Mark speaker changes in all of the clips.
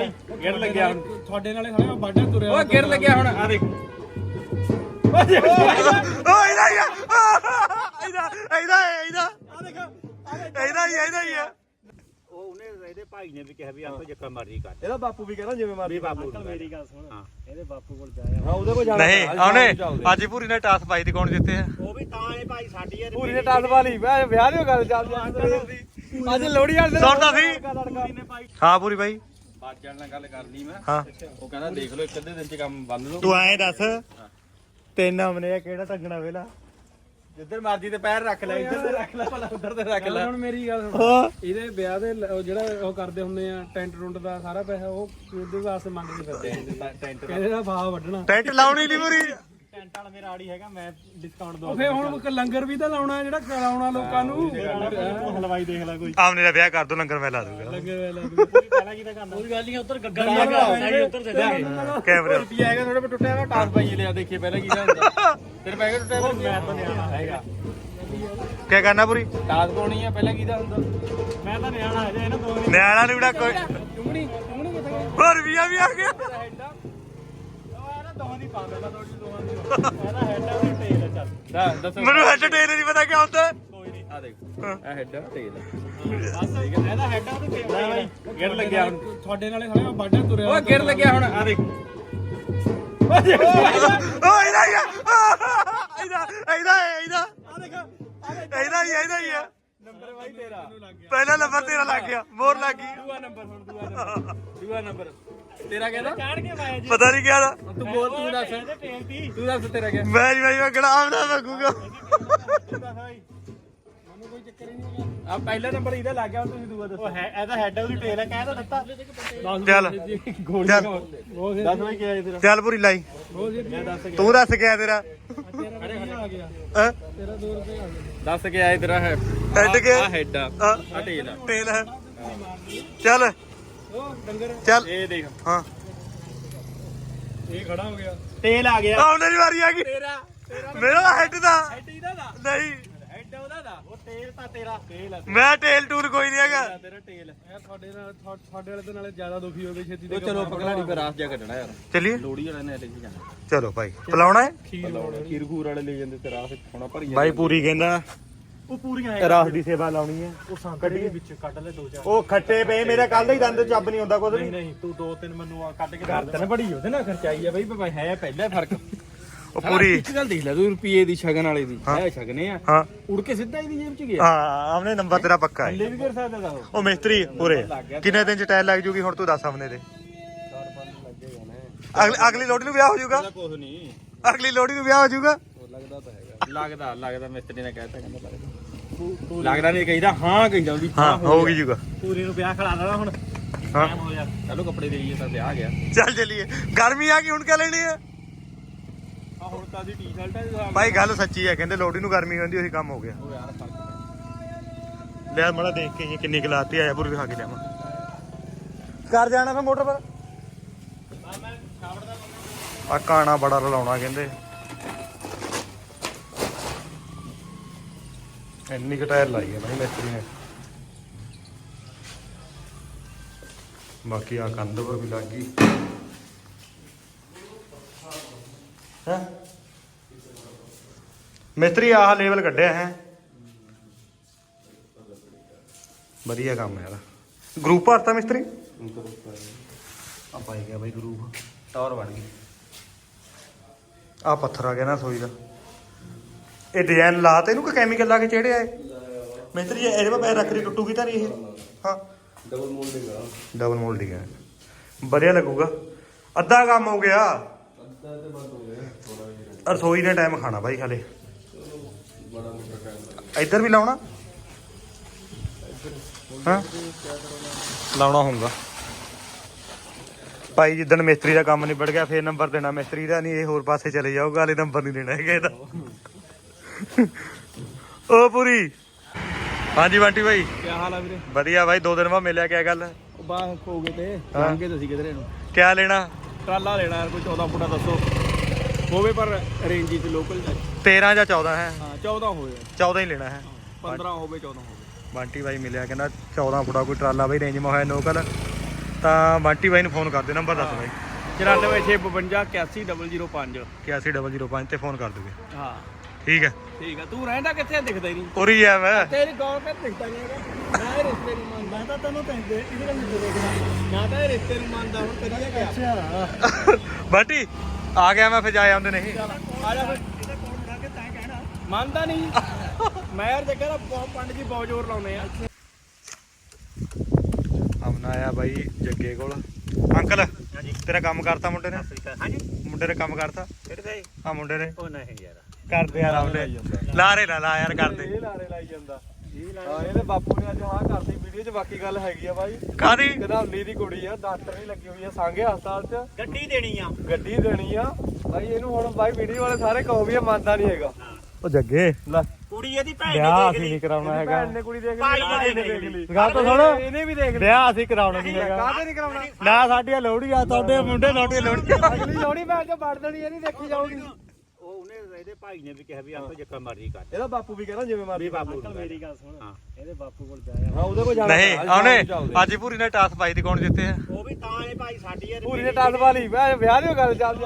Speaker 1: ਬਾਈ ਗਿਰ ਲੱਗਿਆ ਹੁਣ
Speaker 2: ਤੁਹਾਡੇ ਨਾਲੇ ਸਾਲੇ ਮੈਂ ਬਾਡਾ ਤੁਰਿਆ
Speaker 1: ਓਏ ਗਿਰ ਲੱਗਿਆ ਹੁਣ ਆ ਦੇਖ
Speaker 3: ਓਏ ਇਹਦਾ ਹੀ ਆ ਇਹਦਾ ਹੀ ਆ
Speaker 1: ਉਹ ਉਹਨੇ ਇਹਦੇ ਭਾਈ ਨੇ ਵੀ ਕਿਹਾ ਵੀ ਆਪਾਂ ਜਿੱਕਾ ਮਰਜ਼ੀ ਕਰ
Speaker 2: ਇਹਦਾ ਬਾਪੂ ਵੀ ਕਹਿੰਦਾ ਜਿਵੇਂ ਮਰਜ਼ੀ
Speaker 1: ਬਾਪੂ
Speaker 2: ਮੇਰੀ ਗੱਲ ਸੁਣ
Speaker 1: ਹਾਂ
Speaker 2: ਇਹਦੇ ਬਾਪੂ ਕੋਲ ਜਾਇਆ ਹਾਂ ਉਹਦੇ ਕੋਲ ਜਾਣਾ
Speaker 3: ਨਹੀਂ ਉਹਨੇ ਅੱਜ ਪੂਰੀ ਨੇ ਟਾਸ ਪਾਈ ਤੇ ਕੌਣ ਜਿੱਤੇ ਆ
Speaker 1: ਉਹ ਵੀ ਤਾਂ ਇਹ ਭਾਈ ਸਾਡੀ ਯਾਰ
Speaker 2: ਪੂਰੀ ਨੇ ਟਾਸ ਵਾਲੀ ਵਿਆਹ ਦੀ ਗੱਲ ਚੱਲਦੀ ਅੱਜ ਲੋਹੜੀ ਵਾਲੇ
Speaker 3: ਸੁਣਦਾ ਸੀ ਹਾਂ ਪੂਰੀ ਬਾਈ
Speaker 1: ਬਾਜਣ ਨਾਲ ਗੱਲ ਕਰਨੀ ਮੈਂ
Speaker 3: ਹਾਂ
Speaker 1: ਉਹ ਕਹਿੰਦਾ ਦੇਖ ਲਓ ਇੱਕ ਅੱਧੇ ਦਿਨ ਚ ਕੰਮ ਬੰਦ ਲਓ
Speaker 3: ਤੂੰ ਐਂ ਦੱਸ ਤਿੰਨ ਹਮਨੇ ਆ ਕਿਹੜਾ ਟੰਗਣਾ ਵੇਲਾ
Speaker 1: ਜਿੱਧਰ ਮਰਜ਼ੀ ਤੇ ਪੈਰ ਰੱਖ ਲੈ ਇੱਧਰ ਤੇ ਰੱਖ ਲੈ ਭਲਾ ਉੱਧਰ ਤੇ ਰੱਖ ਲੈ
Speaker 2: ਹੁਣ ਮੇਰੀ ਗੱਲ ਸੁਣ ਇਹਦੇ ਵਿਆਹ ਦੇ ਜਿਹੜਾ ਉਹ ਕਰਦੇ ਹੁੰਦੇ ਆ ਟੈਂਟ ਟੁੰਟ ਦਾ ਸਾਰਾ ਪੈਸਾ ਉਹ ਉਹਦੇ ਵਾਸਤੇ ਮੰਗਦੇ ਫਿਰਦੇ ਆ ਟੈਂਟ ਕਹਿੰਦੇ ਦਾ ਫਾਹ ਵੱਢਣਾ
Speaker 3: ਟੈਂਟ ਲਾਉਣੀ ਨਹੀਂ ਪੂਰੀ
Speaker 1: ਟੈਂਟ ਵਾਲਾ ਮੇਰਾ ਆੜੀ ਹੈਗਾ ਮੈਂ ਡਿਸਕਾਊਂਟ
Speaker 2: ਉਹ ਫੇਰ ਹੁਣ ਲੰਗਰ ਵੀ ਤਾਂ ਲਾਉਣਾ ਜਿਹੜਾ ਕਰਾਉਣਾ ਲੋਕਾਂ ਨੂੰ
Speaker 1: ਹਲਵਾਈ ਦੇਖ ਲੈ ਕੋਈ
Speaker 3: ਆਮਨੇ ਦਾ ਵਿਆਹ ਕਰ ਦੋ ਲੰਗਰ ਮੈਂ ਲਾ ਦੂੰਗਾ
Speaker 1: ਪਹਿਲਾਂ ਕੀ ਤਾਂ ਕਰਨਾ ਕੋਈ ਗੱਲ ਨਹੀਂ ਉੱਧਰ ਗੱਗਾ ਉੱਧਰ ਦੇ ਦੇ
Speaker 3: ਕੈਮਰੇ
Speaker 1: ਰੁਪਿਆ ਹੈਗਾ ਥੋੜੇ ਪਰ ਟੁੱਟਿਆ ਹੋਇਆ ਟਾਸ ਪਾਈ ਲਿਆ ਦੇਖੀਏ ਪਹਿਲਾਂ ਕੀ ਹੁੰਦਾ ਤੇਰੇ ਪੈਕੇਟ ਟੁੱਟਿਆ ਹੋਇਆ ਮੈਂ ਤਾਂ ਨਿਆਣਾ ਹੈਗਾ
Speaker 3: ਕੀ ਕਰਨਾ ਪੂਰੀ
Speaker 1: ਟਾਸ ਪਾਉਣੀ ਆ ਪਹਿਲਾਂ ਕੀ ਦਾ ਹੁੰਦਾ ਮੈਂ ਤਾਂ ਨਿਆਣਾ ਹੈ ਜੇ ਇਹਨਾਂ ਦੋ
Speaker 3: ਨਿਆਣਾ ਨਹੀਂ ਬੜਾ ਕੋਈ
Speaker 2: ਚੁੰਗਣੀ ਕਿੱਥੇ ਗਈ
Speaker 3: ਹੋਰ ਵੀ ਆ ਗਿਆ
Speaker 1: ਦੋਹਾਂ ਦੀ ਪਾ ਦੇਣਾ ਥੋੜੀ ਦੋਹਾਂ ਦੀ ਇਹਦਾ ਹੈਡ ਆ ਤੇ ਟੇਲ ਚੱਲ ਦੱਸੋ
Speaker 3: ਮੈਨੂੰ ਹੈਡ ਟੇਲ ਨਹੀਂ ਪਤਾ ਕਿਆ ਹੁੰਦਾ
Speaker 1: ਕੋਈ ਨਹੀਂ ਆ ਦੇਖ ਇਹ ਹੈਡ ਆ ਟੇਲ ਬਸ ਇਹਦਾ ਹੈਡ ਆ ਤੇ ਟੇਲ ਗਿਰ ਲੱਗਿਆ ਹੁਣ
Speaker 2: ਤੁਹਾਡੇ ਨਾਲੇ ਸਾਲੇ ਮੈਂ ਬਾਡਾ ਤੁਰਿਆ
Speaker 1: ਓਏ ਗਿਰ ਲੱਗਿਆ ਹੁਣ ਆ ਦੇਖ
Speaker 3: ਓਏ ਇਹਦਾ ਹੀ ਆ ਇਹਦਾ ਹੀ ਆ
Speaker 1: ਨੰਬਰ ਬਾਈ ਤੇਰਾ
Speaker 3: ਪਹਿਲਾ ਨੰਬਰ ਤੇਰਾ ਲੱਗ ਗਿਆ ਮੋਰ ਲੱਗ ਗਈ
Speaker 1: ਦੂਆ ਨੰਬਰ ਹੁਣ ਦੂਆ ਨੰਬਰ ਤੇਰਾ ਕਹਿੰਦਾ ਚਾੜ ਕੇ ਪਾਇਆ ਜੀ
Speaker 3: ਪਤਾ ਨਹੀਂ ਕਿਆ ਦਾ
Speaker 1: ਤੂੰ ਬੋਲ ਤੂੰ ਦੱਸ ਤੂੰ ਦੱਸ ਤੇਰਾ ਕਿਆ
Speaker 3: ਮੈਂ ਨਹੀਂ ਗੜਾਮ ਨਾ ਮੰਗੂਗਾ
Speaker 2: ਮੈਨੂੰ ਕੋਈ ਚੱਕਰ ਹੀ ਨਹੀਂ ਹੈਗਾ
Speaker 1: ਆ ਪਹਿਲਾ ਨੰਬਰ ਇਹਦਾ ਲੱਗ ਗਿਆ ਹੁਣ ਤੁਸੀਂ ਦੂਆ ਦੱਸੋ ਇਹਦਾ ਹੈਡ ਉਹਦੀ ਟੇਲ ਹੈ ਕਹਿ ਤਾਂ ਦਿੱਤਾ
Speaker 3: ਚੱਲ ਚੱਲ
Speaker 1: ਦੱਸ ਬਾਈ ਕੀ ਹੈ ਤੇਰਾ
Speaker 3: ਚੱਲ ਪੂਰੀ ਲਾਈ
Speaker 1: ਮੈਂ ਦੱਸ ਗਿਆ
Speaker 3: ਤੂੰ ਦੱਸ ਕਿਆ ਤੇਰਾ
Speaker 2: ਆ ਗਿਆ
Speaker 3: ਹੈਂ?
Speaker 2: ਤੇਰਾ 2 ਰੁਪਏ ਆ ਗਏ
Speaker 1: ਦੱਸ ਕੇ ਆਏ ਤੇਰਾ ਹੈ
Speaker 3: ਹੈਡ ਕੇ
Speaker 1: ਆ ਹੈਡ ਆ ਆ ਟੇਲ ਆ
Speaker 3: ਟੇਲ ਹੈ ਚੱਲ
Speaker 2: ਉਹ ਡੰਗਰ
Speaker 3: ਚੱਲ
Speaker 1: ਇਹ ਦੇਖ
Speaker 3: ਹਾਂ
Speaker 2: ਇਹ ਖੜਾ ਹੋ ਗਿਆ
Speaker 1: ਤੇਲ ਆ ਗਿਆ
Speaker 3: ਆਉਣੇ ਦੀ ਵਾਰੀ ਆ ਗਈ
Speaker 1: ਤੇਰਾ
Speaker 3: ਮੇਰਾ ਹੈਡ ਦਾ
Speaker 1: ਹੈਡ ਇਹਦਾ ਦਾ
Speaker 3: ਨਹੀਂ
Speaker 1: ਹੈਡ ਉਹਦਾ ਦਾ ਉਹ ਤੇਲ ਤਾਂ ਤੇਰਾ ਤੇਲ ਆ
Speaker 3: ਮੈਂ ਟੇਲ ਟੂਰ ਕੋਈ ਨਹੀਂ ਹੈਗਾ
Speaker 1: ਤੇਰਾ ਤੇਲ
Speaker 2: ਇਹ ਤੁਹਾਡੇ ਨਾਲ ਤੁਹਾਡੇ ਵਾਲੇ ਦੇ ਨਾਲੇ ਜ਼ਿਆਦਾ ਦੁਖੀ ਹੋ ਗਏ ਛੇਤੀ
Speaker 1: ਉਹ ਚਲੋ ਪਕੜਾੜੀ ਪਰ ਰਾਸ ਜਾ ਕੱਢਣਾ ਯਾਰ
Speaker 3: ਚੱਲੀਏ
Speaker 1: ਲੋੜੀ ਵਾਲੇ ਨੇ ਲੈ ਕੇ ਜਾਣਾ
Speaker 3: ਚਲੋ ਭਾਈ ਪਲਾਉਣਾ ਹੈ
Speaker 1: ਖੀਰ ਖੂਰ ਵਾਲੇ ਲੈ ਜਾਂਦੇ ਤੇ ਰਾਸ ਹੋਣਾ ਭਰੀ
Speaker 3: ਭਾਈ ਪੂਰੀ ਕਹਿੰਦਾ
Speaker 1: ਉਹ ਪੂਰੀਆਂ
Speaker 3: ਰਾਸ ਦੀ ਸੇਵਾ ਲਾਉਣੀ ਹੈ
Speaker 2: ਉਹ ਸੰਕਟ ਦੇ ਵਿੱਚ ਕੱਢ ਲੈ 2-4
Speaker 3: ਉਹ ਖੱਟੇ ਪਏ ਮੇਰੇ ਕੱਲ ਦਾ ਹੀ ਦੰਦ ਚੱਬ ਨਹੀਂ ਹੁੰਦਾ ਕੁਝ ਵੀ
Speaker 1: ਨਹੀਂ ਤੂੰ 2-3 ਮੈਨੂੰ ਆ ਕੱਢ ਕੇ ਕਰ ਬੜੀ ਉਹਦੇ ਨਾਲ ਖਰਚਾਈ ਆ ਬਈ ਭਾਈ ਹੈ ਪਹਿਲਾ ਫਰਕ
Speaker 3: ਉਹ ਪੂਰੀ
Speaker 1: ਇੱਕ ਗੱਲ ਦੇਖ ਲੈ ਤੂੰ ਰੁਪਏ ਦੀ ਸ਼ਗਨ ਵਾਲੇ ਦੀ ਹੈ ਸ਼ਗਨੇ ਆ
Speaker 3: ਹਾਂ
Speaker 1: ਉੜ ਕੇ ਸਿੱਧਾ ਇਹਦੀ ਜੇਬ ਚ ਗਿਆ
Speaker 3: ਹਾਂ ਆਮਨੇ ਨੰਬਰ ਤੇਰਾ ਪੱਕਾ ਹੈ
Speaker 1: ਥੱਲੇ ਵੀ ਕਰ ਸਕਦਾ ਦਾ
Speaker 3: ਉਹ ਮਿਸਤਰੀ ਪੂਰੇ ਕਿੰਨੇ ਦਿਨ ਚ ਟਾਇਰ ਲੱਗ ਜੂਗੀ ਹੁਣ ਤੂੰ ਦੱਸ ਆਮਨੇ ਦੇ ਅਗਲੀ ਲੋੜੀ ਨੂੰ ਵਿਆਹ ਹੋ ਜਾਊਗਾ
Speaker 1: ਕੁਝ ਨਹੀਂ
Speaker 3: ਅਗਲੀ ਲੋੜੀ ਨੂੰ ਵਿਆਹ ਹੋ ਜਾਊਗਾ
Speaker 1: ਲੱਗਦਾ ਤਾਂ ਹੈਗਾ ਲੱਗਦਾ ਮਿਸਤਰੀ ਨੇ ਕਹਿਤਾ ਕਹਿੰਦਾ ਲੱਗਦਾ ਨਹੀਂ ਕਹੀਦਾ ਹਾਂ ਕਹਿੰਦਾ ਵੀ
Speaker 3: ਹਾਂ ਹੋ ਗਈ ਜੂਗਾ
Speaker 1: ਪੂਰੀ ਨੂੰ ਵਿਆਹ ਖੜਾ ਦੇਣਾ ਹੁਣ
Speaker 3: ਹਾਂ
Speaker 1: ਟਾਈਮ ਹੋ ਜਾ ਚਲੋ ਕੱਪੜੇ ਦੇਈਏ ਤਾਂ ਵਿਆਹ ਆ ਗਿਆ
Speaker 3: ਚੱਲ ਚੱਲੀਏ ਗਰਮੀ ਆ ਗਈ ਹੁਣ ਕਿਆ ਲੈਣੀ ਆ
Speaker 1: ਆ ਹੁਣ ਤਾਂ ਦੀ ਟੀ-ਸ਼ਰਟ ਹੈ
Speaker 3: ਭਾਈ ਗੱਲ ਸੱਚੀ ਹੈ ਕਹਿੰਦੇ ਲੋੜੀ ਨੂੰ ਗਰਮੀ ਹੁੰਦੀ ਉਹੀ ਕੰਮ ਹੋ ਗਿਆ
Speaker 1: ਉਹ ਯਾਰ ਫਰਕ
Speaker 3: ਲੈ ਮੜਾ ਦੇਖ ਕੇ ਕਿੰਨੀ ਗਲਾਤੀ ਆਇਆ ਪੂਰੀ ਵਿਖਾ ਕੇ ਲਿਆਵਾਂ ਕਰ ਜਾਣਾ ਫੇ ਮੋਟਰ ਪਰ ਆ ਕਾਣਾ ਬੜਾ ਰਲਾਉਣਾ ਕਹਿੰਦੇ ਇੰਨੀ ਕੁ ਟਾਇਰ ਲਾਈ ਹੈ ਭਾਈ ਮਿਸਤਰੀ ਨੇ ਬਾਕੀ ਆ ਕੰਧ ਪਰ ਵੀ ਲੱਗ ਗਈ ਹੈ ਮਿਸਤਰੀ ਆਹ ਲੈਵਲ ਕੱਢਿਆ ਹੈ ਵਧੀਆ ਕੰਮ ਹੈ ਯਾਰ ਗਰੁੱਪ ਭਰਤਾ ਮਿਸਤਰੀ ਆ ਪਾਈ ਗਿਆ ਬਾਈ ਗਰੁੱਪ ਟਾਵਰ ਬਣ ਗਈ ਆ ਪੱਥਰ ਆ ਗਿਆ ਨਾ ਸੋਈ ਦਾ ਇਹ ਡਿਜ਼ਾਈਨ ਲਾ ਤੇ ਇਹਨੂੰ ਕਿ ਕੈਮੀਕਲ ਲਾ ਕੇ ਚੜਿਆ ਏ ਮਿਸਤਰੀ ਇਹਦੇ ਪਾ ਪੈਰ ਰੱਖ ਰਹੀ ਟੁੱਟੂਗੀ ਤਾਂ ਨਹੀਂ ਇਹ ਹਾਂ ਡਬਲ ਮੋਲਡਿੰਗ ਹੈ ਵਧੀਆ ਲੱਗੂਗਾ ਅੱਧਾ ਕੰਮ ਹੋ ਗਿਆ ਰਸੋਈ ਨੇ ਟਾਈਮ ਖਾਣਾ ਬਾਈ ਹਲੇ ਇੱਧਰ ਵੀ ਲਾਉਣਾ ਹਾਂ ਲਾਉਣਾ ਹੋਊਗਾ ਭਾਈ ਜਿੱਦਣ ਮਿਸਤਰੀ ਦਾ ਕੰਮ ਨਿਬੜ ਗਿਆ ਫੇਰ ਨੰਬਰ ਦੇਣਾ ਮਿਸਤਰੀ ਦਾ ਨਹੀਂ ਇਹ ਹੋਰ ਪਾਸੇ ਚਲੇ ਜਾਊਗਾ ਹਲੇ ਨੰਬਰ ਨਹੀਂ ਦੇਣਾ ਹੈਗਾ ਇਹਦਾ ਉਹ ਪੂਰੀ ਹਾਂਜੀ ਬੰਟੀ ਭਾਈ
Speaker 1: ਕੀ ਹਾਲ ਆ ਵੀਰੇ
Speaker 3: ਵਧੀਆ ਬਾਈ 2 ਦਿਨ ਬਾਅਦ ਮਿਲਿਆ ਕਿਆ ਗੱਲ
Speaker 1: ਉਹ ਬਾਹਰ ਹੋ ਗਏ ਤੇ ਲੰਘੇ ਤੁਸੀਂ ਕਿਧਰੇ ਨੂੰ
Speaker 3: ਕਿਆ ਲੈਣਾ
Speaker 1: ਟਰਾਲਾ ਲੈਣਾ ਯਾਰ ਕੋਈ 14 ਫੁੱਟਾ ਦੱਸੋ ਹੋਵੇ ਪਰ ਰੇਂਜ ਚ ਲੋਕਲ
Speaker 3: 13 ਜਾਂ 14 ਹੈ
Speaker 1: ਹਾਂ 14 ਹੋਵੇ
Speaker 3: 14 ਹੀ ਲੈਣਾ ਹੈ
Speaker 1: 15 ਹੋਵੇ 14 ਹੋਵੇ
Speaker 3: ਬੰਟੀ ਬਾਈ ਮਿਲਿਆ ਕਹਿੰਦਾ 14 ਫੁੱਟਾ ਕੋਈ ਟਰਾਲਾ ਬਾਈ ਰੇਂਜ ਮਾ ਹੋਇਆ ਨੋਕਲ ਤਾਂ ਬੰਟੀ ਬਾਈ ਨੂੰ ਫੋਨ ਕਰ ਦਿਓ ਨੰਬਰ ਦੱਸ ਬਾਈ
Speaker 1: 9465
Speaker 3: 81005 ਤੇ ਫੋਨ ਕਰ ਦੋਗੇ
Speaker 1: ਹਾਂ
Speaker 3: ਠੀਕ ਹੈ
Speaker 1: ਠੀਕ ਆ ਤੂੰ ਰਹਿੰਦਾ ਕਿੱਥੇ ਦਿਖਦਾ ਹੀ ਨਹੀਂ
Speaker 3: ਉਰੀ ਆ ਮੈਂ
Speaker 1: ਤੇਰੀ ਗੌਰ ਤੇ ਦਿਖਦਾ ਨਹੀਂ ਹੈਗਾ ਮੈਂ ਇਹ ਰਿਸ਼ਤੇ ਨਹੀਂ ਮੰਨਦਾ ਤਾਂ ਤੈਨੂੰ ਕਹਿੰਦੇ ਇਹਦੇ ਨਾਲ ਨਹੀਂ ਦੇਖਦਾ ਮੈਂ ਤਾਂ ਇਹ ਰਿਸ਼ਤੇ ਨਹੀਂ ਮੰਨਦਾ ਹੁਣ ਕਰੀਏ ਕਿਆ ਅੱਛਾ
Speaker 3: ਬੰਟੀ ਆ ਗਿਆ ਮੈਂ ਫਿਰ ਜਾ ਆਉਂਦੇ ਨਹੀਂ
Speaker 1: ਆ ਜਾ ਫਿਰ ਇਹਦਾ ਕੋਲ ਬਣਾ ਕੇ ਤੈਂ ਕਹਿਣਾ ਮੰਨਦਾ ਨਹੀਂ ਮੈਂ ਯਾਰ ਜੱਗਾ ਦਾ ਪੰਡ ਜੀ ਬਹੁਤ ਜ਼ੋਰ ਲਾਉਂਦੇ ਆ
Speaker 3: ਆਮਨਾ ਆਇਆ ਬਾਈ ਜੱਗੇ ਕੋਲ ਅੰਕਲ ਤੇਰਾ ਕੰਮ ਕਰਤਾ ਮੁੰਡੇ ਨੇ
Speaker 1: ਹਾਂਜੀ
Speaker 3: ਮੁੰਡੇ ਨੇ ਕੰਮ ਕਰਤਾ
Speaker 1: ਕਿਹੜੇ
Speaker 3: ਆ ਮੁੰਡੇ ਨੇ
Speaker 1: ਉਹ ਨਹੀਂ ਯਾਰ
Speaker 3: ਕਰਦੇ ਯਾਰ ਆਮਨੇ ਲਾਰੇ ਲਾ ਲਾ ਯਾਰ ਕਰਦੇ
Speaker 2: ਇਹ ਲਾਰੇ ਲਾਈ ਜਾਂਦਾ ਹਾਂ ਇਹਦੇ ਬਾਪੂ ਨੇ ਅੱਜ ਹਾਂ ਕਰਦੀ ਵੀਡੀਓ 'ਚ ਬਾਕੀ ਗੱਲ ਹੈਗੀ ਆ ਬਾਈ
Speaker 3: ਕਾਦੀ
Speaker 2: ਕਹਿੰਦਾ 19 ਦੀ ਕੁੜੀ ਆ ਡਾਕਟਰ ਨਹੀਂ ਲੱਗੀ ਹੋਈ ਆ ਸਾਂਗੇ ਹਸਪਤਾਲ 'ਚ
Speaker 1: ਗੱਡੀ ਦੇਣੀ ਆ
Speaker 2: ਗੱਡੀ ਦੇਣੀ ਆ ਬਾਈ ਇਹਨੂੰ ਹੁਣ ਬਾਈ ਵੀਡੀਓ ਵਾਲੇ ਸਾਰੇ ਕਹੋ ਵੀ ਇਹ ਮੰਨਦਾ ਨਹੀਂ ਹੈਗਾ
Speaker 3: ਉਹ ਜੱਗੇ
Speaker 2: ਲੈ
Speaker 1: ਕੁੜੀ ਇਹਦੀ ਭੈਣ
Speaker 3: ਵਿਆਹ ਅਸੀਂ ਨਹੀਂ ਕਰਾਉਣਾ ਹੈਗਾ
Speaker 2: ਭੈਣ ਨੇ ਕੁੜੀ ਦੇਖ
Speaker 1: ਭਾਈ
Speaker 2: ਲਈ
Speaker 1: ਨੇ
Speaker 2: ਭਾਈ ਨੇ
Speaker 1: ਦੇਖ
Speaker 2: ਦੇਖ ਲਈ
Speaker 3: ਗੱਲ ਤਾਂ ਸੁਣ
Speaker 2: ਇਹਨੇ ਵੀ ਦੇਖ ਲਈ
Speaker 3: ਵਿਆਹ ਅਸੀਂ ਕਰਾਉਣਾ ਨਹੀਂ ਹੈਗਾ
Speaker 2: ਕਾਹਦੇ ਨਹੀਂ ਕਰਾਉਣਾ
Speaker 3: ਨਾ ਸਾਡੀਆਂ ਲੋਹੜੀਆਂ ਤੁਹਾਡੇ ਮੁੰਡੇ ਤੁਹਾਡੇ ਲੋਹੜੀਆਂ
Speaker 2: ਅਗਲੀ ਲੋੜੀ ਭੈਣ ਚੋਂ ਵੜ ਦੇਣੀ ਇਹ ਨਹੀਂ ਦੇਖੀ ਜਾਊਗੀ
Speaker 1: ਉਹ ਉਹਨੇ ਇਹਦੇ ਭਾਈ ਨੇ ਵੀ ਕਿਹਾ ਵੀ ਆਪੇ ਜੱਕਾ ਮਰਜ਼ੀ ਕਰ
Speaker 2: ਇਹਦਾ ਬਾਪੂ ਵੀ ਕਹਿੰਦਾ ਜਿਵੇਂ ਮਰਜ਼ੀ
Speaker 1: ਬਾਪੂ
Speaker 2: ਮੇਰੀ ਗੱਲ ਸੁਣ
Speaker 1: ਹਾਂ
Speaker 2: ਇਹਦੇ ਬਾਪੂ ਕੋਲ ਜਾਇਆ ਹਾਂ ਉਹਦੇ ਕੋਲ ਜਾਣਾ
Speaker 3: ਨਹੀਂ ਉਹਨੇ ਅੱਜ ਪੂਰੀ ਨੇ ਟਾਸ ਪਾਈ ਤੇ ਕੌਣ ਜਿੱਤੇ ਆ
Speaker 1: ਉਹ ਵੀ ਤਾਂ ਇਹ ਭਾਈ ਸਾਡੀ ਯਾਰ
Speaker 2: ਪੂਰੀ ਨੇ ਟਾਸ ਵਾਲੀ ਮੈਂ ਵਿਆਹ ਦੀ ਗੱਲ ਚੱਲਦੀ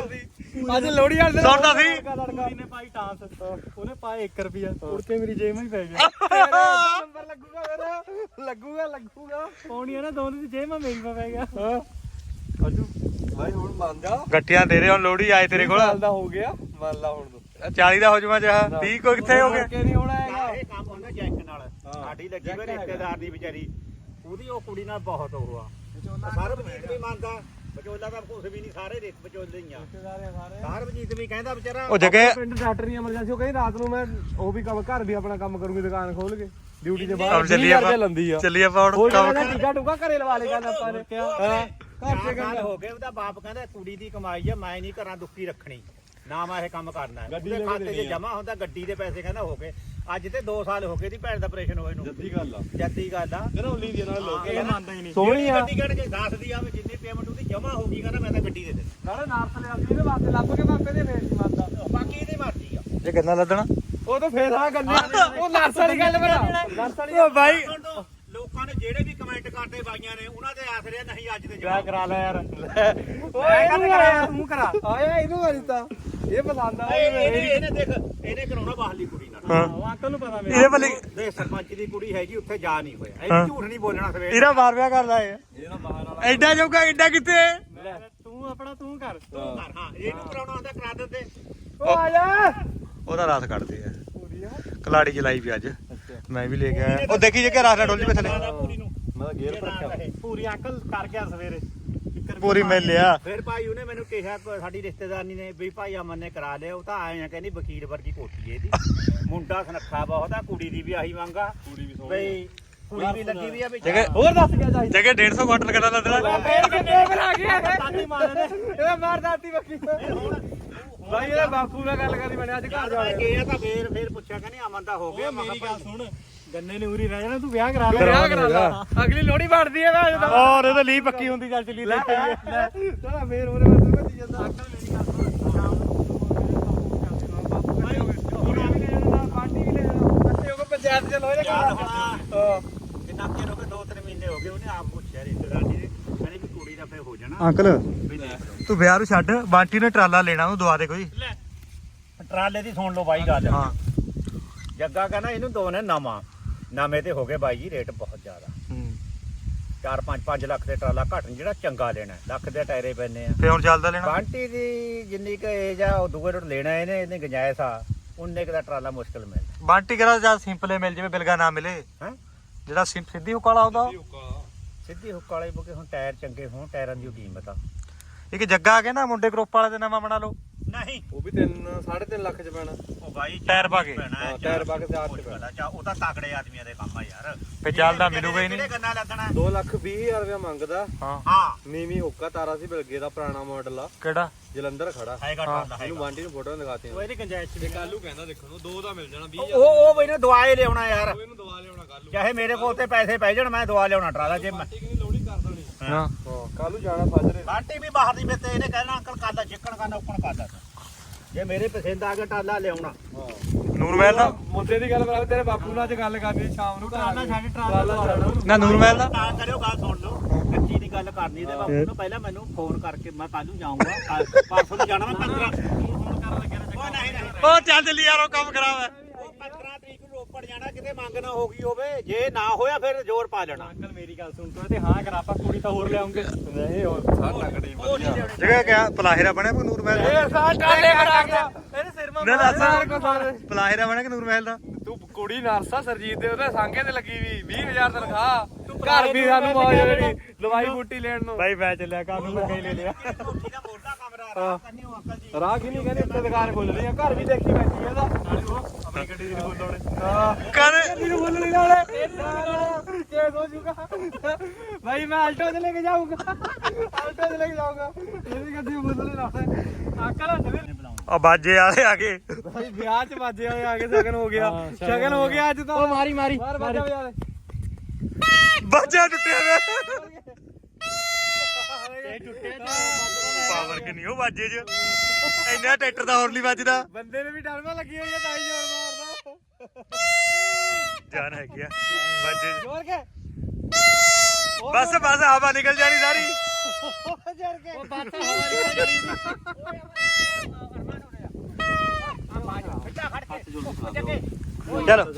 Speaker 2: ਅੱਜ ਲੋੜੀ ਵਾਲੇ ਦਿਨ
Speaker 3: ਸੁਣਦਾ ਸੀ
Speaker 2: ਪੂਰੀ ਨੇ ਪਾਈ ਟਾਸ ਉਹਨੇ ਪਾਏ 1 ਰੁਪਿਆ ਉੜ ਕੇ ਮੇਰੀ ਜੇਬ ਵਿੱਚ ਪੈ ਗਿਆ ਨੰਬਰ ਲੱਗੂਗਾ ਮੇਰਾ ਲੱਗੂਗਾ ਪੌਣੀ ਆ ਨਾ ਦੋਨੋਂ ਦੀ ਜੇਬ ਵਿੱਚ ਮੇਰੀ ਪੈ ਗਿਆ ਹਾਂ ਅਜੂ ਭਾਈ ਹੁਣ ਮੰਨ ਜਾ
Speaker 3: ਗੱਟੀਆਂ ਦੇ ਰਹੇ ਹੁਣ ਲੋਹੜੀ ਆਏ ਤੇਰੇ ਕੋਲ
Speaker 2: ਸਾਲ ਦਾ ਹੋ ਗਿਆ ਮੰਨ ਲਾ ਹੁਣ ਤੂੰ
Speaker 3: 40 ਦਾ ਹੋ ਜਾਵਾਂ ਜਹਾ 30 ਕੋ ਕਿੱਥੇ ਹੋ ਗਏ
Speaker 2: ਕਿ ਨਹੀਂ ਹੋਣਾ ਹੈਗਾ
Speaker 1: ਇਹ ਕੰਮ ਹੁੰਦਾ ਜੈਕ ਨਾਲ ਸਾਡੀ ਲੱਗੀ ਹੋਈ ਰਿਸ਼ਤੇਦਾਰ ਦੀ ਵਿਚਾਰੀ ਉਹਦੀ ਉਹ ਕੁੜੀ ਨਾਲ ਬਹੁਤ ਉਹ ਆ ਸਰਬਜੀਤ ਵੀ ਮੰਨਦਾ ਵਿਚੋਲਾ ਤਾਂ ਕੁਝ ਵੀ ਨਹੀਂ ਸਾਰੇ ਰਿਸ਼ਤੇ ਵਿਚੋਲੇ ਹੀ ਆ ਸਰਬਜੀਤ ਵੀ ਕਹਿੰਦਾ ਵਿਚਾਰਾ
Speaker 3: ਉਹ ਜੱਗੇ
Speaker 2: ਪਿੰਡ ਡਾਕਟਰ ਨਹੀਂ ਐਮਰਜੈਂਸੀ ਉਹ ਕਹਿੰਦੀ ਰਾਤ ਨੂੰ ਮੈਂ ਉਹ ਵੀ ਕੰਮ ਘਰ ਵੀ ਆਪਣਾ ਕੰਮ ਕਰੂੰਗੀ ਦੁਕਾਨ ਖੋਲ ਕੇ ਡਿਊਟੀ ਦੇ
Speaker 3: ਹੁਣ
Speaker 2: ਬਾਅਦ
Speaker 3: ਚੱਲੀਏ ਆਪਾਂ
Speaker 2: ਲੰਦੀ ਆ
Speaker 3: ਚੱਲੀਏ ਆਪਾਂ ਹੁਣ
Speaker 2: ਹੋਰ
Speaker 3: ਕੰਮ
Speaker 2: ਕਹਿੰਦਾ ਟੀਕਾ ਟੂਕਾ ਘਰੇ ਲਵਾ ਲੇਗਾ ਆਪਾਂ ਨੇ ਹਾਂ ਘਰ
Speaker 1: ਘਰ
Speaker 2: ਤੇ ਗੱਲ
Speaker 1: ਹੋ ਗਏ ਉਹਦਾ ਬਾਪ ਕਹਿੰਦਾ ਕੁੜੀ ਦੀ ਕਮਾਈ ਆ ਮੈਂ ਨਹੀਂ ਘਰਾਂ ਦੁੱਖੀ ਰੱਖਣੀ ਨਾ ਮੈਂ ਇਹ ਕੰਮ ਕਰਨਾ ਉਹਦੇ ਖਾਤੇ 'ਚ ਜਮਾ ਹੁੰਦਾ ਗੱਡੀ ਦੇ ਪੈਸੇ ਕਹਿੰਦਾ ਹੋ ਗਏ ਅੱਜ ਤੇ 2 ਸਾਲ ਹੋ ਗਏ ਦੀ ਭੈਣ ਦਾ ਆਪਰੇਸ਼ਨ ਹੋਏ ਨੂੰ
Speaker 2: ਜੱਦੀ ਗੱਲ ਆ
Speaker 1: ਜੱਦੀ ਗੱਲ ਆ
Speaker 2: ਕਹਿੰਦਾ ਉੱਲੀ ਦੀ ਨਾਲ ਲੋਕ
Speaker 1: ਇਹ ਮੰਨਦਾ ਹੀ ਨਹੀਂ
Speaker 2: ਸੋਹਣੀ ਆ
Speaker 1: ਗੱਡੀ ਕੱਢ ਕੇ ਦੱਸਦੀ ਆ ਵੀ ਜਿੰਨੀ ਪੇਮੈਂਟ ਉਹਦੀ ਜਮਾ ਹੋ ਗਈ ਕਹਿੰਦਾ ਮੈਂ ਤਾਂ ਗੱਡੀ ਦੇ ਦੇ
Speaker 2: ਨਾਲੇ ਨਾਰਸ ਲਿਆ ਸੀ ਇਹਦੇ ਵਾਸਤੇ ਲੱਭ ਕੇ ਮਾਪੇ ਦੇ ਫੇਰ ਨਹੀਂ ਮੰਨਦਾ
Speaker 1: ਬਾਕੀ ਇਹਦੀ ਮਰਜ਼ੀ ਆ
Speaker 3: ਇਹ ਕਿੰਨਾ ਲੱਦਣਾ
Speaker 2: ਉਹ ਤਾਂ ਫੇਰ ਹਾਂ ਗੱਲਾਂ ਉਹ ਨਰਸ ਵਾਲੀ ਗੱਲ ਬਣਾ ਨਰਸ ਵਾਲੀ
Speaker 3: ਉਹ ਬਾਈ
Speaker 1: ਲੋਕਾਂ ਨੇ ਜਿਹੜੇ ਵੀ ਕਮੈਂਟ ਕਰਦੇ ਬਾਈਆਂ ਨੇ ਉਹਨਾਂ ਦੇ ਆਸਰੇ ਨਹੀਂ ਅੱਜ ਦੇ
Speaker 3: ਵਿਆਹ ਕਰਾ ਲੈ ਯਾਰ
Speaker 2: ਓਏ ਇਹਨੂੰ ਕਰਾ ਤੂੰ ਕਰਾ ਆਇਆ ਇਹਨੂੰ ਵਾਲੀ ਤਾਂ ਇਹ ਪਸੰਦ ਆ
Speaker 1: ਇਹਨੇ ਦੇਖ ਇਹਨੇ ਕਰਾਉਣਾ ਬਾਹਰਲੀ ਕੁੜੀ ਨਾਲ
Speaker 3: ਹਾਂ
Speaker 2: ਅੰਕਲ ਨੂੰ ਪਤਾ
Speaker 3: ਇਹਦੇ ਵੱਲ
Speaker 1: ਦੇਖ ਸਰਪੰਚ ਦੀ ਕੁੜੀ ਹੈਗੀ ਉੱਥੇ ਜਾ ਨਹੀਂ ਹੋਇਆ ਇਹ ਝੂਠ ਨਹੀਂ ਬੋਲਣਾ ਸਵੇਰ
Speaker 3: ਇਹਦਾ ਮਾਰ ਵਿਆਹ ਕਰਦਾ ਏ
Speaker 2: ਇਹਦਾ ਬਾਹਰ ਵਾਲਾ
Speaker 3: ਐਡਾ ਜੋਗਾ ਐਡਾ ਕਿੱਥੇ
Speaker 2: ਤੂੰ ਆਪਣਾ ਤੂੰ ਕਰ
Speaker 1: ਤੂੰ ਕਰ ਹਾਂ ਇਹਨੂੰ ਕਰਾਉਣਾ ਹੁੰਦਾ ਕਰਾ ਦਿੰਦੇ
Speaker 2: ਉਹ ਆ ਜਾ
Speaker 3: ਉਹਦਾ ਰਾਸ ਕੱਢਦੇ ਆ
Speaker 2: ਪੂਰੀ ਆ
Speaker 3: ਕਲਾੜੀ ਚਲਾਈ ਵੀ ਅੱਜ ਮੈਂ ਵੀ ਲੈ ਕੇ ਆਇਆ ਉਹ ਦੇਖੀ ਜੇ ਕਿ ਰਾਸ ਨਾ ਡੋਲ ਜਵੇ ਥੱਲੇ
Speaker 1: ਪੂਰੀ ਨੂੰ
Speaker 2: ਮੈਂ ਗੇਅਰ ਰੱਖਿਆ
Speaker 1: ਪੂਰੀ ਅੰਕਲ ਕਰ ਗਿਆ ਸਵੇਰੇ
Speaker 3: ਪੂਰੀ ਮਿਲ ਲਿਆ
Speaker 1: ਫਿਰ ਭਾਈ ਉਹਨੇ ਮੈਨੂੰ ਕਿਹਾ ਸਾਡੀ ਰਿਸ਼ਤੇਦਾਰਨੀ ਨੇ ਵੀ ਭਾਈ ਅਮਨ ਨੇ ਕਰਾ ਲਿਆ ਉਹ ਤਾਂ ਆਏ ਆ ਕਹਿੰਦੀ ਵਕੀਲ ਵਰਗੀ ਕੋਠੀ ਹੈ ਇਹਦੀ ਮੁੰਡਾ ਸੁਨੱਖਾ ਬਹੁਤ ਆ ਕੁੜੀ ਦੀ ਵੀ ਆਹੀ ਮੰਗਾ
Speaker 2: ਪੂਰੀ ਵੀ
Speaker 1: ਬਈ ਕੁੜੀ ਵੀ ਲੱਗੀ ਵੀ ਆ ਵਿੱਚ
Speaker 3: ਜਗੇ
Speaker 2: ਹੋਰ ਦੱਸ ਕਿਆ ਚਾਹੀਦਾ
Speaker 3: ਜਗੇ 150 ਕੁਆਂਟਲ ਕਿੰਨਾ ਲੱਦਣਾ
Speaker 2: ਫੇਰ ਕਿੱਥੇ ਬਣਾ ਗਿਆ ਦਾਤੀ ਮਾਰਦੇ ਇਹਦਾ ਮਾਰ ਦਾਤੀ ਬੱਕੀ ਭਾਈ ਇਹਦਾ ਬਾਪੂ ਨਾਲ ਗੱਲ ਕਰੀ ਬਣਿਆ ਅੱਜ ਘਰ ਜਾ
Speaker 1: ਗਿਆ ਤਾਂ ਫੇਰ ਪੁੱਛਿਆ ਕਹਿੰਦੀ ਅਮਨ ਦਾ ਹੋ ਗਿਆ
Speaker 2: ਮੇਰੀ ਗੱਲ ਸੁਣ ਗੰਨੇ ਨੇ ਉਰੀ ਰਹਿ ਜਾਣਾ ਤੂੰ ਵਿਆਹ ਕਰਾ ਲੈ ਵਿਆਹ ਕਰਾ ਲੈ ਅਗਲੀ ਲੋਹੜੀ ਵੜਦੀ ਹੈ ਮੈਂ
Speaker 3: ਔਰ ਇਹ ਤਾਂ ਲੀ ਪੱਕੀ ਹੁੰਦੀ ਚੱਲ ਚੱਲੀ ਲੈ
Speaker 2: ਚਲਾ ਫੇਰ ਉਹਨੇ ਮੈਨੂੰ ਭੱਜੀ ਜਾਂਦਾ ਅੰਕਲ ਮੇਰੀ ਗੱਲ ਸੁਣ ਸ਼ਾਮ ਨੂੰ ਬਾਪੂ ਕਹਿੰਦੇ ਪਾਰਟੀ ਵੀ ਲੈ ਜਾਣਾ ਇਕੱਠੇ ਹੋ ਕੇ ਪੰਚਾਇਤ ਚ ਲੋਹੜੇ
Speaker 1: ਯਾਰ
Speaker 2: ਕਰਾ
Speaker 1: ਹੁਣ ਕਿੰਨਾ ਚਿਰ ਹੋ ਗਏ 2-3 ਮਹੀਨੇ ਹੋ ਗਏ ਉਹਨੇ ਆਪ ਪੁੱਛਿਆ ਰਿਸ਼ਤੇਦਾਰਨੀ ਨੇ ਕਹਿੰਦੀ ਵੀ ਕੁੜੀ ਦਾ ਫੇਰ ਹੋ ਜਾਣਾ
Speaker 3: ਅੰਕਲ
Speaker 1: ਵੀ ਦੇਖ ਲਓ
Speaker 3: ਤੂੰ ਵਿਆਹ ਨੂੰ ਛੱਡ ਬਾਂਟੀ ਨੇ ਟਰਾਲਾ ਲੈਣਾ ਉਹਨੂੰ ਦਵਾ ਦੇ ਕੋਈ
Speaker 1: ਟਰਾਲੇ ਦੀ ਸੁਣ ਲਓ ਬਾਈ ਗੱਲ
Speaker 3: ਹਾਂ
Speaker 1: ਜੱਗਾ ਕਹਿੰਦਾ ਇਹਨੂੰ ਦੋ ਨੇ ਨਵੇਂ ਤੇ ਹੋ ਗਏ ਬਾਈ ਜੀ ਰੇਟ ਬਹੁਤ ਜ਼ਿਆਦਾ 4-5 ਲੱਖ ਦੇ ਟਰਾਲਾ ਘੱਟ ਨੀ, ਜਿਹੜਾ ਚੰਗਾ ਲੈਣਾ ਲੱਖ ਦੇ ਟਾਇਰੇ ਪੈਣੇ ਆ
Speaker 3: ਫੇ ਹੁਣ ਚੱਲਦਾ ਲੈਣਾ
Speaker 1: ਬਾਂਟੀ ਦੀ ਜਿੰਨੀ ਕ ਏਜ ਆ ਉਹ ਦੂਏ ਰੋਡ ਲੈਣਾ ਇਹਨੇ ਗੁੰਜਾਇਸ਼ ਆ ਉਨੇ ਕ ਦਾ ਟਰਾਲਾ ਮੁਸ਼ਕਲ ਮਿਲਦਾ
Speaker 3: ਬਾਂਟੀ ਕਰਾ ਜਾਂ ਸਿੰਪਲੇ ਮਿਲ ਜਾਵੇ ਬਿਲਗਾ ਨਾ ਮਿਲੇ
Speaker 1: ਹੈ
Speaker 3: ਜਿਹੜਾ ਸਿੱਧੀ ਹੁੱਕ ਵਾਲਾ ਹੁੰਦਾ
Speaker 1: ਸਿੱਧੀ ਹੁੱਕ ਵਾਲੇ ਬੁਕੇ ਹੁਣ ਟਾਇਰ ਚੰਗੇ ਹੋਣ ਟਾਇਰਾਂ ਦੀ ਕੀਮਤ ਆ
Speaker 3: ਇੱਕ ਜੱਗਾ ਆ ਕੇ ਨਾ ਮੁੰਡੇ ਗਰੁੱਪ ਵਾਲੇ ਦੇ ਨਵਾਂ ਬਣਾ ਲਓ
Speaker 1: ਨਹੀਂ
Speaker 2: ਉਹ ਵੀ 3.5 ਲੱਖ ਚ ਪੈਣਾ
Speaker 1: ਉਹ ਬਾਈ
Speaker 3: ਟਾਇਰ ਪਾ ਕੇ।
Speaker 2: ਟਾਇਰ ਪਾ ਕੇ ਤੇ ਆਪ ਚ ਪੈਣਾ
Speaker 1: ਉਹ ਤਾਂ ਤਕੜੇ ਆਦਮੀਆਂ ਦੇ ਕੰਮ ਆ ਯਾਰ
Speaker 3: ਫੇ ਚੱਲਦਾ ਮਿਲੂਗਾ ਹੀ ਨਹੀਂ
Speaker 1: ਕਿਹੜੇ ਗੰਨਾ ਲੱਗਣਾ
Speaker 2: 2,20,000 ਰੁਪਇਆ ਮੰਗਦਾ
Speaker 3: ਹਾਂ
Speaker 1: ਹਾਂ
Speaker 2: ਨੀਵੀਂ ਹੁੱਕਾ ਤਾਰਾ ਸੀ ਬਿਲਗੇ ਦਾ ਪੁਰਾਣਾ ਮਾਡਲ ਆ
Speaker 3: ਕਿਹੜਾ
Speaker 2: ਜਲੰਧਰ ਖੜਾ
Speaker 1: ਹੈਗਾ ਟਰਾਲਾ
Speaker 2: ਇਹਨੂੰ ਬਾਂਟੀ ਨੂੰ ਫੋਟੋਆਂ ਦਿਖਾਤੀਆਂ
Speaker 1: ਉਹ ਇਹਦੀ ਗੁੰਜਾਇਸ਼
Speaker 2: ਤੇ ਕੱਲੂ ਕਹਿੰਦਾ ਦੇਖਣ ਨੂੰ 2 ਦਾ ਮਿਲ ਜਾਣਾ 20
Speaker 1: ਉਹ ਬਈ ਨੇ ਦਵਾਈ ਲਿਆਉਣਾ ਯਾਰ
Speaker 2: ਇਹਨੂੰ ਦਵਾ ਲਿਆਉਣਾ ਕੱਲੂ
Speaker 1: ਚਾਹੇ ਮੇਰੇ ਕੋਲ ਤੇ ਪੈਸੇ ਪੈ ਜਾਣ ਮੈਂ ਦਵਾ ਲਿਆਉਣਾ ਟਰਾਲਾ ਜੇ ਮੈਂ
Speaker 2: ਠੀਕ ਨਹੀਂ ਲੋੜੀ ਕਰ ਦੇਣੀ
Speaker 3: ਹਾਂ
Speaker 2: ਹਾਂ ਕੱਲੂ ਜਾਣਾ ਫਾਜਰੇ
Speaker 1: ਬਾਂਟੀ ਵੀ ਬਾਹਰ ਦੀ ਮੇਤੇ ਇਹਨੇ ਕਹਿਣਾ ਅੰਕਲ ਕਾਲਾ ਚਿੱਕਣ ਕਰਨਾ ਉੱਕਣ ਕਰਦਾ ਜੇ ਮੇਰੇ ਪਸੰਦ ਆ ਗਿਆ ਟਰਾਲਾ ਲਿਆਉਣਾ
Speaker 2: ਹਾਂ
Speaker 3: ਨੂਰਮਹਿਲ ਦਾ
Speaker 2: ਮੁੱਦੇ ਦੀ ਗੱਲ ਕਰਾ ਤੇਰੇ ਬਾਪੂ ਨਾਲ ਅੱਜ ਗੱਲ ਕਰਨੀ ਸ਼ਾਮ ਨੂੰ ਟਰਾਲਾ ਛੱਡ ਟਰਾਲਾ
Speaker 3: ਨਾ ਨੂਰਮਹਿਲ ਦਾ
Speaker 1: ਤਾਂ ਕਰਿਓ ਗੱਲ ਸੁਣ ਲਓ ਕੱਚੀ ਦੀ ਗੱਲ ਗੱਲ ਕਰਨੀ ਤੇ ਬਾਪੂ ਨੂੰ ਪਹਿਲਾਂ ਮੈਨੂੰ ਫੋਨ ਕਰਕੇ ਮੈਂ ਕੱਲ ਨੂੰ ਜਾਊਂਗਾ ਪਰਸੋਂ ਨੂੰ ਜਾਣਾ ਮੈਂ 15 ਫੋਨ ਕਰਨ ਲੱਗਿਆ ਉਹ ਨਹੀਂ
Speaker 3: ਉਹ ਚੱਲ ਜਲੀ ਯਾਰ ਉਹ ਕੰਮ ਖਰਾਬ ਹੈ
Speaker 1: ਉਹ 15 ਤਰੀਕ ਨੂੰ ਰੋਪੜ ਜਾਣਾ ਕਿਤੇ ਮੰਗ ਨਾ ਹੋ ਗਈ ਹੋਵੇ ਜੇ ਨਾ ਹੋਇਆ ਫਿਰ ਜ਼ੋਰ ਪਾ ਲੈਣਾ
Speaker 2: ਅੰਕਲ ਮੇਰੀ ਗੱਲ ਸੁਣ ਤੋ ਤੇ ਹਾਂ ਕਰ ਆਪਾਂ ਕੁੜੀ ਤਾਂ ਹੋਰ ਲਿਆਉਂਗੇ ਨਹੀਂ ਹੋਰ ਸਾਡਾ ਕੜੀ ਵਧੀਆ
Speaker 3: ਜਗ੍ਹਾ ਕਿਆ ਪਲਾਹੇਰਾ ਬਣਿਆ ਕੋਈ ਨੂਰ ਮਹਿਲ ਦਾ
Speaker 2: ਸਾਡਾ ਟਾਲੇ ਕਰਾ ਗਿਆ ਇਹਦੇ ਸਿਰ ਮਾ
Speaker 3: ਨਾ ਦੱਸ ਪਲਾਹੇਰਾ ਬਣਿਆ ਕਿ ਨੂਰ ਮਹਿਲ ਦਾ
Speaker 2: ਤੂੰ ਕੁੜੀ ਨਰਸਾ ਸਰਜੀਤ ਦੇ ਉਹਦੇ ਸਾਂਗੇ ਤੇ ਲੱਗੀ ਵੀ 20000 ਤਨਖਾਹ ਘਰ ਵੀ ਸਾਨੂੰ ਮੌਜ ਜਿਹੜੀ ਦਵਾਈ ਬੂਟੀ ਲੈਣ ਨੂੰ
Speaker 3: ਬਾਈ ਮੈਂ ਚੱਲਿਆ ਘਰ ਨੂੰ ਮੈਂ ਲੈ ਲਿਆ
Speaker 1: ਕੋਠੀ ਦਾ ਮੋਟਾ ਕਮਰਾ ਰਾਹ ਕਰਨੀ ਉਹ ਅੰਕਲ ਜੀ
Speaker 2: ਰਾਹ ਕੀ ਨਹੀਂ ਕਹਿੰਦੇ ਉੱਤੇ ਦੁਕਾਨ ਖੋਲ ਰਹੀ ਆ ਘਰ ਵੀ ਦੇਖੀ ਬੈਠੀ ਇਹਦਾ ਨਾਲੇ ਉਹ ਆਪਣੀ ਗੱਡੀ ਦੀ ਖੋਲਣੇ ਹਾਂ
Speaker 3: ਕਰ
Speaker 2: ਗੱਡੀ ਨੂੰ ਖੋਲਣੇ ਨਾਲੇ ਕੇਸ ਹੋ ਜੂਗਾ ਭਾਈ ਮੈਂ ਆਲਟੋ ਤੇ ਲੈ ਕੇ ਜਾਊਂਗਾ ਆਲਟੋ ਤੇ ਲੈ ਕੇ ਜਾਊਂਗਾ ਇਹਦੀ ਗੱਡੀ ਨੂੰ ਖੋਲਣੇ ਨਾਲੇ ਅੰਕਲ ਨਵੇਂ
Speaker 3: ਆ ਬਾਜੇ ਵਾਲੇ ਆ ਗਏ
Speaker 2: ਭਾਈ ਵਿਆਹ ਚ ਬਾਜੇ ਵਾਲੇ ਆ ਕੇ ਸ਼ਗਨ ਹੋ ਗਿਆ ਸ਼ਗਨ ਹੋ ਗਿਆ ਅੱਜ ਤਾਂ ਉਹ ਮਾਰੀ ਮਾਰੀ ਮਾਰ ਬਾਜਾ ਵਜਾ ਦੇ
Speaker 3: ਬਾਜਾ ਟੁੱਟਿਆ ਵੇ
Speaker 2: ਇਹ ਟੁੱਟਿਆ
Speaker 3: ਪਾਵਰ ਕਿ ਨਹੀਂ ਉਹ ਬਾਜੇ 'ਚ ਇੰਨਾ ਟਰੈਕਟਰ ਦਾ ਹੋਰ ਨਹੀਂ ਵੱਜਦਾ
Speaker 2: ਬੰਦੇ ਨੇ ਵੀ ਡਰਮਾ ਲੱਗੀ ਹੋਈ ਆ ਤਾਂ ਹੀ ਜ਼ੋਰ ਮਾਰਦਾ
Speaker 3: ਜਾਨ ਹੈਗੀ ਆ ਬਾਜੇ 'ਚ
Speaker 2: ਜ਼ੋਰ ਕੇ
Speaker 3: ਬਸ ਬਸ ਹਵਾ ਨਿਕਲ ਜਾਣੀ ਸਾਰੀ
Speaker 2: ਜ਼ੋਰ ਕੇ ਉਹ ਬਾਤ ਹਵਾ ਨਿਕਲ ਜਾਣੀ
Speaker 3: ਚਲੋ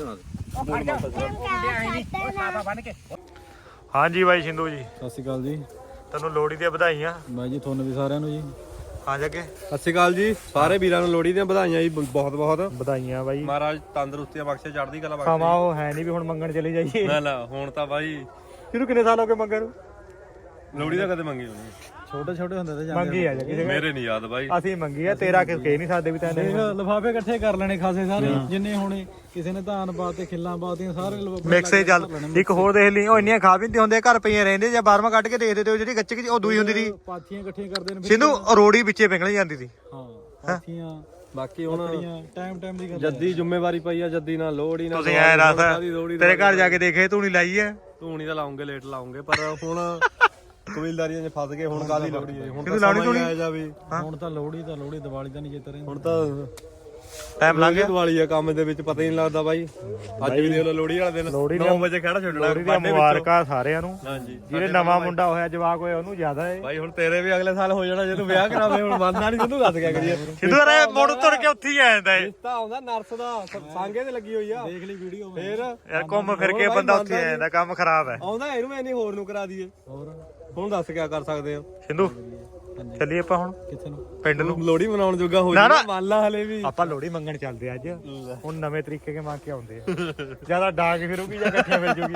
Speaker 1: ਬਣ ਕੇ
Speaker 3: ਹਾਂਜੀ ਬਾਈ ਸਿੰਧੂ ਜੀ
Speaker 2: ਸਤਿ ਸ਼੍ਰੀ ਅਕਾਲ ਜੀ
Speaker 3: ਤੈਨੂੰ ਲੋਹੜੀ ਦੀਆਂ ਵਧਾਈਆਂ
Speaker 2: ਬਾਈ ਜੀ ਤੁਹਾਨੂੰ ਵੀ ਸਾਰਿਆਂ ਨੂੰ ਜੀ
Speaker 3: ਹਾਂ ਜੱਗੇ
Speaker 4: ਸਤਿ ਸ਼੍ਰੀ ਅਕਾਲ ਜੀ ਸਾਰੇ ਵੀਰਾਂ ਨੂੰ ਲੋਹੜੀ ਦੀਆਂ ਵਧਾਈਆਂ ਜੀ ਬਹੁਤ ਬਹੁਤ
Speaker 3: ਵਧਾਈਆਂ ਬਾਈ
Speaker 4: ਮਹਾਰਾਜ ਤੰਦਰੁਸਤੀਆਂ ਬਖਸ਼ੇ ਚੜ੍ਹਦੀ ਕਲਾ
Speaker 3: ਸਮਾਂ
Speaker 4: ਬਖਸ਼ੇ
Speaker 3: ਉਹ ਹੈ ਨਹੀਂ ਵੀ ਹੁਣ ਮੰਗਣ ਚਲੇ ਜਾਈਏ
Speaker 4: ਨਾ ਨਾ ਹੁਣ ਤਾਂ ਬਾਈ
Speaker 3: ਇਹਨੂੰ ਕਿੰਨੇ ਸਾਲ ਹੋ ਗਏ ਮੰਗਣ ਨੂੰ
Speaker 4: ਲੋਹੜੀ ਦਾ ਕਦੇ ਮੰਗੀ ਹੋਣੀ
Speaker 2: ਛੋਟੇ ਛੋਟੇ ਹੁੰਦੇ ਤੇ
Speaker 3: ਮੰਗੀ ਆ ਜਾ ਕਿਸੇ
Speaker 4: ਮੇਰੇ ਨਹੀਂ ਯਾਦ ਬਾਈ
Speaker 3: ਅਸੀਂ ਮੰਗੀ ਆ ਤੇਰਾ ਕਿਸ ਕਹਿ ਨਹੀਂ ਸਕਦੇ ਵੀ ਤੈਨੂੰ
Speaker 2: ਦੇਖ ਲਿਫਾਫੇ ਇਕੱਠੇ ਕਰ ਲੈਣੇ ਖਾਸੇ ਸਾਰੇ ਜਿੰਨੇ ਹੋਣੇ ਕਿਸੇ ਨੇ ਧਾਨ ਪਾਤੇ ਖਿੱਲਾਂ ਪਾਤੀਆਂ ਸਾਰੇ ਲਿਫਾਫੇ
Speaker 3: ਮਿਕਸੇ ਚੱਲ ਇੱਕ ਹੋਰ ਦੇਖ ਲਈ ਉਹ ਇੰਨੀਆਂ ਖਾ ਵੀ ਨਹੀਂ ਹੁੰਦੇ ਘਰ ਪਈਆਂ ਰਹਿੰਦੇ ਜਾਂ ਬਾਰਵਾਂ ਕੱਢ ਕੇ ਦੇਖਦੇ ਤੇ ਉਹ ਜਿਹੜੀ ਗੱਚਕ ਉਹ ਦੂਈ ਹੁੰਦੀ ਸੀ
Speaker 2: ਪਾਥੀਆਂ ਇਕੱਠੀਆਂ ਕਰਦੇ ਨੇ
Speaker 3: ਸਿੰਧੂ ਰੋੜੀ ਵਿੱਚੇ ਪਿੰਗਲ ਜਾਂਦੀ ਸੀ
Speaker 2: ਹਾਂ ਪਾਥੀਆਂ
Speaker 4: ਬਾਕੀ ਹੁਣ
Speaker 2: ਟਾਈਮ ਦੀ ਗੱਲ
Speaker 4: ਜੱਦੀ ਜ਼ਿੰਮੇਵਾਰੀ ਪਈ ਆ ਜੱਦੀ ਨਾਲ ਲੋਹੜੀ ਨਾਲ
Speaker 3: ਤੁਸੀਂ ਐ ਦੱਸ ਤੇਰੇ ਘਰ ਜਾ ਕੇ ਦੇਖੇ ਤੂੰ ਨਹੀਂ ਲਾਈ ਐ
Speaker 4: ਧੂਣੀ ਤਾਂ ਲਾਉਂਗੇ ਲੇਟ ਲਾਉਂਗੇ ਪਰ ਹੁਣ ਕਬੀਲਦਾਰੀਆਂ 'ਚ ਫਸ ਗਏ ਹੁਣ ਕਾਹਦੀ ਲੋਹੜੀ ਹੈ ਹੁਣ
Speaker 3: ਕਿਹਨੂੰ
Speaker 4: ਤਾਂ
Speaker 3: ਲਾਉਣੀ
Speaker 4: ਸਮਾਂ ਹੀ
Speaker 3: ਧੂਣੀ?
Speaker 4: ਆਇਆ ਜਾਵੇ
Speaker 2: ਹੁਣ ਤਾਂ ਲੋਹੜੀ ਦੀਵਾਲੀ ਤਾਂ ਨਹੀਂ ਜਿੱਤ ਰਹੇ
Speaker 4: ਹੁਣ ਤਾਂ
Speaker 3: ਟਾਈਮ ਲੰਘ ਗਿਆ
Speaker 4: ਦੀਵਾਲੀ ਆ ਕੰਮ ਦੇ ਵਿੱਚ ਪਤਾ ਹੀ ਨਹੀਂ ਲੱਗਦਾ ਬਾਈ ਅੱਜ ਵੀ ਦੇਖ ਲਓ ਲੋਹੜੀ ਵਾਲੇ ਦਿਨ
Speaker 3: ਲੋਹੜੀ
Speaker 4: 9 ਵਜੇ ਖੜਾ ਛੱਡਣਾ
Speaker 3: ਲੋਹੜੀ ਦੀਆਂ ਮੁਬਾਰਕਾਂ ਸਾਰਿਆਂ ਨੂੰ
Speaker 4: ਹਾਂਜੀ
Speaker 3: ਜਿਹੜੇ ਨਵਾਂ ਮੁੰਡਾ ਹੋਇਆ ਜਵਾਕ ਹੋਇਆ ਉਹਨੂੰ ਜ਼ਿਆਦਾ ਏ
Speaker 4: ਬਾਈ ਹੁਣ ਤੇਰੇ ਵੀ ਅਗਲੇ ਸਾਲ ਹੋ ਜਾਣਾ ਜੇ ਤੂੰ ਵਿਆਹ ਕਰਾਵੇਂ ਹੁਣ ਬੰਦਾ ਨਹੀਂ ਤੈਨੂੰ ਦੱਸ ਗਿਆ ਕਰੀਏ
Speaker 3: ਸਿੰਧੂ ਯਾਰ ਮੁੜ ਤੁਰ ਕੇ ਉੱਥੇ ਹੀ ਆ ਜਾਂਦਾ ਏ
Speaker 4: ਰਿਸ਼ਤਾ ਆਉਂਦਾ ਨਰਸ ਦਾ ਸਾਂਗੇ ਤੇ ਲੱਗੀ ਹੋਈ ਆ
Speaker 2: ਦੇਖ ਲਈ ਵੀਡੀਓ
Speaker 4: ਫੇਰ
Speaker 3: ਯਾਰ ਘੁੰਮ ਫਿਰ ਕੇ ਬੰਦਾ ਉੱਥੇ ਆ ਜਾਂਦਾ ਕੰਮ ਖਰਾਬ ਹੈ
Speaker 4: ਆਉਂਦਾ ਇਹਨੂੰ ਮੈਂ ਨਹੀਂ ਹੋਰ ਨੂੰ ਕਰਾ ਦਈਏ
Speaker 2: ਹੋਰ
Speaker 4: ਹੁਣ ਦੱਸ ਕਿਆ ਕਰ ਸਕਦੇ ਆ
Speaker 3: ਸਿੰਧੂ ਚੱਲੀਏ ਆਪਾਂ ਹੁਣ
Speaker 2: ਕਿੱਥੇ ਨੂੰ
Speaker 3: ਪਿੰਡ ਨੂੰ
Speaker 4: ਲੋਹੜੀ ਮਨਾਉਣ ਜੋਗਾ ਹੋ
Speaker 3: ਨਾ,
Speaker 4: ਜਾਣਾ
Speaker 3: ਨਾ।
Speaker 4: ਮੰਨ ਲਾ ਹਲੇ ਵੀ
Speaker 3: ਆਪਾਂ ਲੋਹੜੀ ਮੰਗਣ ਚੱਲਦੇ ਆ ਅੱਜ ਹੁਣ ਨਵੇਂ ਤਰੀਕੇ ਕੇ ਮੰਗ ਕੇ ਆਉਂਦੇ ਆ ਜਿਆਦਾ ਡਾਂਗ ਫਿਰੂਗੀ ਜਾਂ ਇਕੱਠੀਆਂ ਮਿਲ ਜੂਗੀ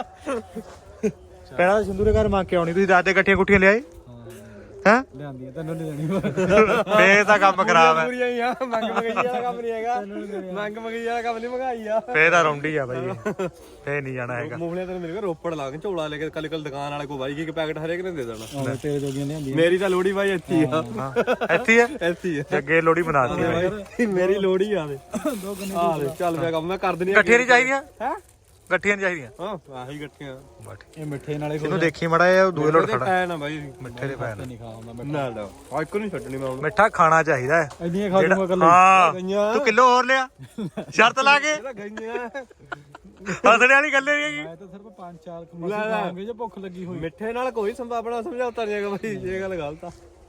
Speaker 3: ਪਹਿਲਾਂ ਤਾਂ ਸਿੰਧੂ ਦੇ ਘਰ ਮੰਗ ਕੇ ਆਉਣੀ ਤੁਸੀਂ ਰਾਤ ਦੇ ਇਕੱਠੀਆਂ ਕੁੱਠੀਆਂ ਲਿਆਏ ਹੈ
Speaker 2: ਲਿਆਂਦੀ ਆ ਤੈਨੂੰ ਨਹੀਂ ਦੇਣੀ
Speaker 3: ਫੇਰ ਤਾਂ ਕੰਮ ਖਰਾਬ ਹੈ
Speaker 4: ਪੂਰੀਆਂ ਹੀ ਆ ਮੰਗ ਮੰਗਈ ਵਾਲਾ ਕੰਮ ਨਹੀਂ ਹੈਗਾ ਮੰਗ ਮੰਗਈ ਵਾਲਾ ਕੰਮ ਨਹੀਂ ਮੰਗਾਈ ਆ
Speaker 3: ਫੇਰ ਤਾਂ ਰੌਂਡੀ ਆ ਬਾਈ ਫੇਰ ਨਹੀਂ ਜਾਣਾ ਹੈਗਾ
Speaker 4: ਮੂਹਲੇ ਤੈਨੂੰ ਮਿਲ ਗਿਆ ਰੋਪੜ ਲਾ ਕੇ ਝੋਲਾ ਲੈ ਕੇ ਕੱਲ ਦੁਕਾਨ ਵਾਲੇ ਕੋ ਬਾਈ ਕੀ ਪੈਕਟ ਹਰੇਕ ਨੇ ਦੇ ਦੇਣਾ
Speaker 2: ਆਹ ਤੇਰੇ ਜੋਗੀਆਂ ਲਿਆਂਦੀ
Speaker 4: ਮੇਰੀ ਤਾਂ ਲੋਹੜੀ ਬਾਈ ਇੱਥੇ ਹੀ ਆ
Speaker 3: ਹਾਂ ਇੱਥੇ ਹੀ ਆ
Speaker 4: ਇੱਥੇ ਹੀ ਆ
Speaker 3: ਅੱਗੇ ਲੋਹੜੀ ਬਣਾਤੀ ਬਾਈ
Speaker 4: ਬਾਈ ਮੇਰੀ ਲੋਹੜੀ ਆ ਦੇ
Speaker 2: ਦੋ ਗੰਨੇ
Speaker 4: ਆ ਦੇ ਚੱਲ ਪਿਆ ਕੰਮ ਮੈਂ ਕਰ ਦਿੰਦੀ ਆ
Speaker 3: ਇਕੱਠੀਆਂ ਨਹੀਂ ਚਾਹੀਦੀਆਂ
Speaker 4: ਹੈ
Speaker 3: ਇਕੱਠੀਆਂ ਨਹੀਂ ਚਾਹੀਦੀਆਂ
Speaker 4: ਹਾਂ ਆਹੀ ਇਕੱਠੀਆਂ
Speaker 2: ਇਹ ਮਿੱਠੇ ਨਾਲੇ
Speaker 3: ਇਹਨੂੰ ਦੇਖੀ ਮੜਾ ਇਹ ਦੂਏ ਲੋਟ ਖੜਾ
Speaker 4: ਐ ਨਾ ਬਾਈ
Speaker 3: ਮਿੱਠੇ ਦੇ ਪੈਣ
Speaker 2: ਨਹੀਂ ਖਾ ਹੁੰਦਾ
Speaker 4: ਨਾ ਨਾ ਆ ਇੱਕ ਨਹੀਂ ਛੱਡਣੀ ਮੈਂ ਹੁਣ
Speaker 3: ਮਿੱਠਾ ਖਾਣਾ ਚਾਹੀਦਾ ਹੈ
Speaker 2: ਇੰਨੀਆਂ ਖਾ ਲੂੰਗਾ ਕੱਲ
Speaker 3: ਹਾਂ
Speaker 4: ਗਈਆਂ
Speaker 3: ਤੂੰ ਕਿਲੋ ਹੋਰ ਲਿਆ ਸ਼ਰਤ ਲਾ ਕੇ
Speaker 4: ਇਹਦਾ ਗਈਆਂ
Speaker 3: ਹੱਸਣੇ ਵਾਲੀ ਗੱਲ ਨਹੀਂ ਹੈਗੀ
Speaker 2: ਮੈਂ ਤਾਂ ਸਿਰਫ 5-4 ਕਮਾਸੀ ਖਾਵਾਂਗੇ ਜੇ ਭੁੱਖ ਲੱਗੀ ਹੋਈ
Speaker 4: ਮਿੱਠੇ ਨਾਲ ਕੋਈ ਸੰਭਾਵਨਾ ਸਮਝੌਤਾ ਨਹੀਂ ਹੈਗਾ ਬਾਈ ਇਹ ਗੱਲ ਗਲਤ ਆ